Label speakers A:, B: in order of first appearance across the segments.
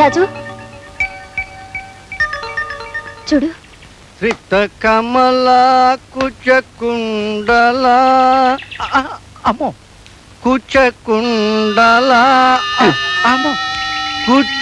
A: రాజు చూడు.
B: శ్రిత కమల కుచకుండల అమ్మో కుచకుండల అమ్మో కుచ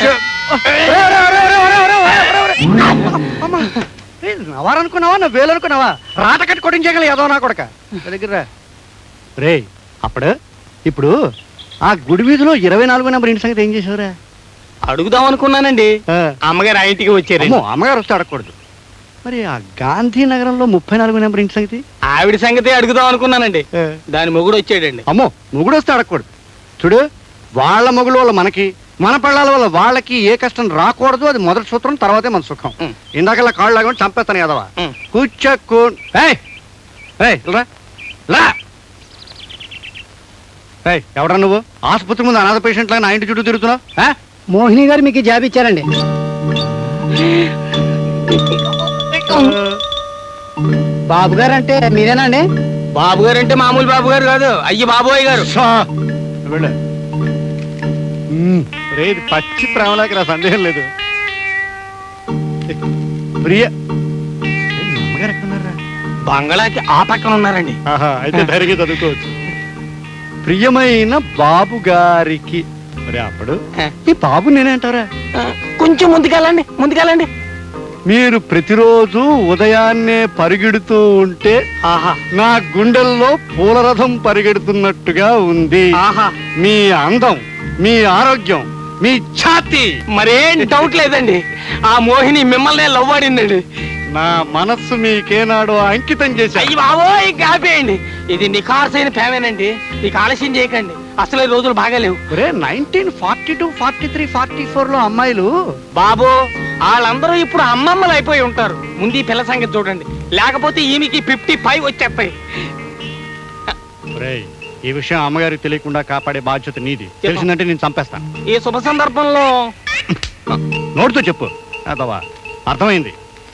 B: నవారనుకున్నావా నా వేలనుకున్నావా రాట కట్టి కొట్టించగల ఏదో నా కొడక దగ్గర రే అప్పుడు ఇప్పుడు ఆ గుడి వీధిలో 24 నెంబర్ ఇంటి సంగతి ఏం చేసావురా?
C: అడుగుదాం అనుకున్నానండి. అమ్మగారు ఆ ఇంటికి వచ్చారు.
B: అమ్మగారు వస్తే అడగకూడదు. మరి ఆ గాంధీనగరంలో 34 నెంబర్ ఇంటి సంగతి?
C: ఆవిడ సంగతి అడుగుదాం అనుకున్నానండి. దాని మొగుడు వచ్చాడండి.
B: అమ్మో మొగుడు వస్తే అడగకూడదు. చూడు వాళ్ళ మొగుడు వల్ల మనకి మన పిల్లల వల్ల వాళ్ళకి ఏ కష్టం రాకూడదు. అది మొదటి సూత్రం, తర్వాతే మన సుఖం. ఇందాకల్లా కాళ్ళు లాగా చంపేస్తాను కదవా. కూర్చోకు ఎవడా నువ్వు? ఆసుపత్రి ముందు అనాథ పేషెంట్ లాగా నా ఇంటి చుట్టూ తిరుగుతున్నావు.
D: మోహిని గారు మీకు జాబ్ ఇచ్చారండి. బాబు గారు అంటే మీరేనండి?
C: బాబు గారు అంటే మామూలు బాబు గారు కాదు, అయ్యి బాబోయ్ గారు.
B: రేది పచ్చి ప్రేమలాకి నా సందేహం లేదు. ప్రియ అమ్మగారు ఎక్కడున్నారా?
C: బంగళాకి ఆ పక్కన ఉన్నారండి.
B: అయితే ధైర్యంగా చదువుకోవచ్చు. ప్రియమైన బాబు గారికి మరి అప్పుడు ఈ బాబు నేనేంటారా?
C: కొంచెం ముందుకెళ్ళండి.
B: మీరు ప్రతిరోజు ఉదయాన్నే పరిగెడుతూ ఉంటే నా గుండెల్లో పూలరథం పరిగెడుతున్నట్టుగా ఉంది. మీ అందం, మీ ఆరోగ్యం, మీ ఛాతి
C: మరేం డౌట్ లేదండి. ఆ మోహిని మిమ్మల్ని లవ్ ఆడిందండి.
B: నా మనస్సు మీకేనాడో అంకితం చేశాను.
C: అయ్యి బాబోయ్ కాపేయండి. ఇది నిఖార్సైన ప్రేమేనండి. నీకు ఆలస్యం చేయకండి, అసలు రోజులు బాగాలేవు.
B: 1942, 43, 44 లో అమ్మాయిలు
C: బాబు వాళ్ళందరూ ఇప్పుడు అమ్మమ్మలు అయిపోయి ఉంటారు. ముందు ఈ పిల్ల సంగతి చూడండి, లేకపోతే ఈమెకి 55 వచ్చేస్తాయి.
B: ఈ విషయం అమ్మగారికి తెలియకుండా కాపాడే బాధ్యత నీది. తెలిసిందంటే నేను చంపేస్తాను.
C: ఈ శుభ సందర్భంలో
B: నోటితో చెప్పు అదవా. అర్థమైంది.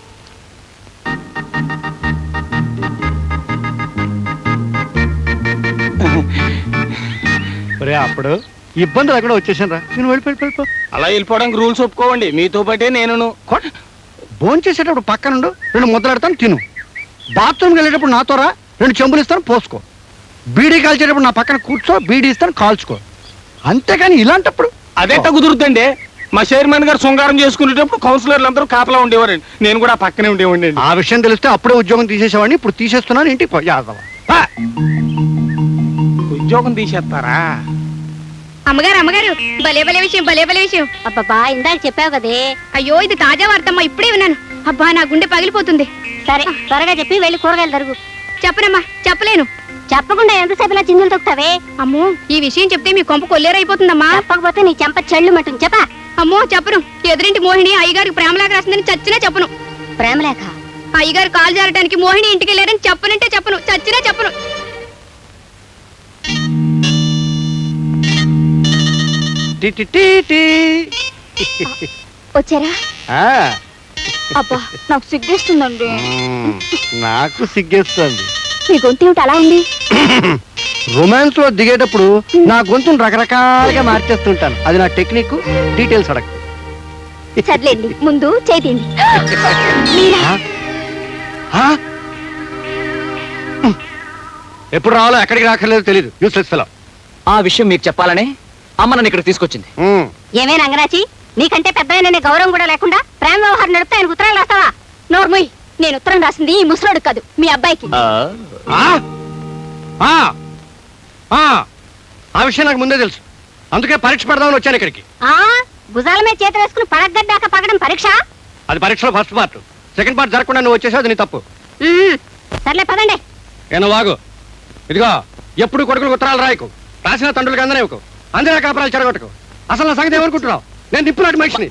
B: అప్పుడు ఇబ్బంది లేకుండా వచ్చేసాను రా. నేను వెళ్ళిపో.
C: అలా వెళ్ళిపోవడానికి రూల్స్ ఒప్పుకోవండి. మీతో పాటే నేను
B: భోజనం చేసేటప్పుడు పక్కనుండు, 2 ముద్దలాడతాను తిను. బాత్రూమ్కి వెళ్ళేటప్పుడు నాతో రా, 2 చెంబులు ఇస్తాను పోసుకో. బీడీ కాల్చేటప్పుడు నా పక్కన కూర్చో, బీడీ ఇస్తాను కాల్చుకో. అంతేకాని ఇలాంటప్పుడు
C: అదేట కుదురుతుండే. మా చైర్మన్ గారు శృంగారం చేసుకునేటప్పుడు కౌన్సిలర్లు అందరూ కాపలా ఉండేవారండి. నేను కూడా పక్కనే ఉండేవాడి.
B: ఆ విషయం తెలిస్తే అప్పుడే ఉద్యోగం తీసేసేవాడిని. ఇప్పుడు తీసేస్తున్నాను. ఇంటికి
C: ఉద్యోగం తీసేస్తారా?
A: అమ్మగారు భలే విషయం.
E: అబ్బా ఇందాక చెప్పావు కదే.
A: అయ్యో ఇది తాజా వార్తమ్మా, ఇప్పుడే విన్నాను. అబ్బా నా గుండె పగిలిపోతుంది.
E: సరే త్వరగా చెప్పి వెళ్ళి కూరగాయలు తరుగు.
A: చెప్పనమ్మా, చెప్పలేను.
E: చెప్పకుండా ఎంతసేపు ఇలా చిందులు తొక్కుతావే?
A: అమ్మో ఈ విషయం చెప్తే మీ కొంప కొల్లేరైపోతుందమ్మా.
E: చెప్పకపోతే నీ చెంప చెళ్ళు మట్టు చెప్పా.
A: అమ్మో చెప్పను. ఎదురింటి మోహిని అయ్యగారికి ప్రేమలేఖ రాసిందని చచ్చినా చెప్పను.
E: ప్రేమలేఖ?
A: అయ్యగారు కాలు జారడానికి మోహిని ఇంటికి వెళ్ళారని చెప్పనంటే చెప్పను, చచ్చినా చెప్పను.
E: వచ్చారా? అబ్బా నాకు సిగ్గేస్తుందండి.
B: నాకు సిగ్గేస్తుంది.
E: మీ గొంతు ఏమిటి అలా ఉంది?
B: రొమాన్స్ లో దిగేటప్పుడు నా గొంతును రకరకాలుగా మార్చేస్తుంటాను. అది నా టెక్నిక్. డీటెయిల్స్ అడగ.
E: సర్లేండి ముందు చేతిండి.
B: ఎప్పుడు రావాలో ఎక్కడికి రాకర్లేదో తెలియదు. Useless fellow.
F: ఆ విషయం మీకు చెప్పాలనే అమ్మ నన్ను ఇక్కడ తీసుకొచ్చింది.
E: ఏమే రంగరాచి, నీకంటే పెద్ద గౌరవం కూడా లేకుండా ప్రేమ వ్యవహారం నడిపితే ఆయనకు ఉత్తరాలు రాస్తావా? నోర్మోయ్, నేను ఉత్తరం రాసింది ఈ ముసలోడు కాదు, మీ అబ్బాయికి.
B: ఆ విషయం నాకు ముందే తెలుసు. అందుకే పరీక్ష పెడదామని వచ్చాను ఇక్కడికి.
E: భుజాల మీద చేతి వేసుకుని పడగడ్డాక పగడం పరీక్ష?
B: అది పరీక్షలో ఫస్ట్ పార్ట్. సెకండ్ పార్ట్ జరగకుండా నువ్వు వచ్చేసావు, అది నీ తప్పు.
E: సర్లే పదండి.
B: ఏనో వాగు. ఇదిగో ఎప్పుడు కొడుకులకు ఉత్తరాలు రాయకు, రాసిన తండ్రులకు అందనేవకు, అందరూ కాపురాలు చెడగొట్టకు. అసలు నా సంగతి ఎవరు కుంటున్నావు? నేను నిప్పులాంటి మనిషిని,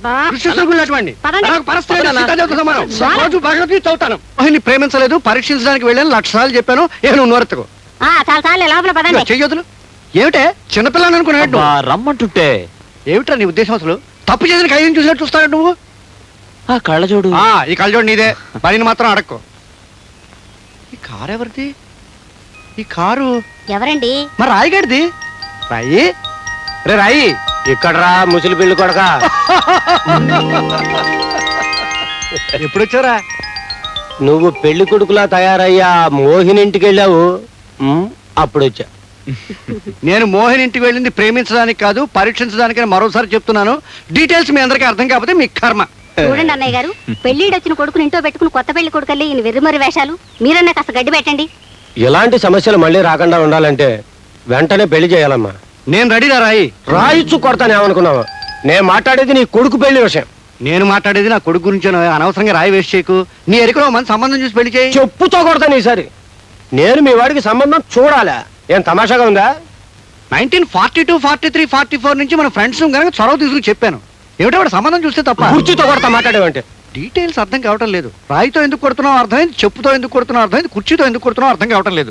B: రోజు భగవద్గీత చదువుతాను. ప్రేమించలేదు, పరీక్షించడానికి వెళ్ళాను, 1,00,000 సార్లు చెప్పాను. నువ్వు నోరెత్తుకో. చెయ్యొద్దులు ఏమిటే చిన్నపిల్లని అనుకున్నాడు.
F: రమ్మంటుంటే
B: ఏమిట్రా నీ ఉద్దేశం? అసలు తప్పు చేసిన ఖైదీని చూసినట్టు చూస్తాడు నువ్వు.
F: ఆ కళ్ళజోడు,
B: ఈ కళ్ళజోడు నీదే. పనిని మాత్రం అడక్కో. ఈ కారు ఎవరిది? ఈ కారు
E: ఎవరండి?
B: మరి రాయిగడిది. రాయి రే రాయి.
C: ఇక్కడ రా ముసలి పిల్లి కొడక.
B: ఎప్పుడు వచ్చారా?
G: నువ్వు పెళ్లి కొడుకులా తయారయ్యా మోహిని ఇంటికి వెళ్ళావు అప్పుడు వచ్చా.
B: నేను మోహన్ ఇంటికి వెళ్ళింది ప్రేమించడానికి కాదు, పరీక్షించడానికని మరోసారి చెప్తున్నాను. డీటెయిల్స్ మీ అందరికీ అర్థం కాకపోతే మీ కర్మ.
E: చూడండి అన్నయ్య గారు, పెళ్లిడొచ్చిన కొడుకుని ఇంట్లో పెట్టుకుని కొత్త పెళ్లి కొడుకల్లి ఈయన వెర్రిమరి వేషాలు. మీరన్నా కాస్త గడ్డి పెట్టండి.
G: ఇలాంటి సమస్యలు మళ్ళీ రాకుండా ఉండాలంటే వెంటనే పెళ్లి చేయాలమ్మా.
B: నేను రెడీరా రాయి.
G: రాయిచ్చు కొడతాను ఏమనుకున్నావు? నేను మాట్లాడేది నీ కొడుకు పెళ్లి విషయం.
B: నేను మాట్లాడేది నా కొడుకు గురించి. అనవసరంగా రాయి వేస్ట్ చేయకు. నీ ఎరికలో మంచి సంబంధం చూసి పెళ్లి చేయి.
G: చెప్పుతో కొడతాను ఈసారి. నేను మీ వాడికి సంబంధం చూడాలా? ఏం తమాషాగా ఉందా?
B: 1942, 43, 44 నుంచి మన ఫ్రెండ్స్ కనుక చొరవ తీసుకుని చెప్పాను. ఏమిటో వాడు సంబంధం చూస్తే తప్ప.
G: కుర్చీతో కొడతా మాట్లాడేవంటే.
B: డీటెయిల్స్ అర్థం కావటం లేదు. రాయితో ఎందుకు కొడుతున్నావు అర్థమైంది, చెప్పుతో ఎందుకు కొడుతున్నావు అర్థమైంది, కుర్చీతో ఎందుకు కొడుతున్నావు అర్థం కావటం లేదు.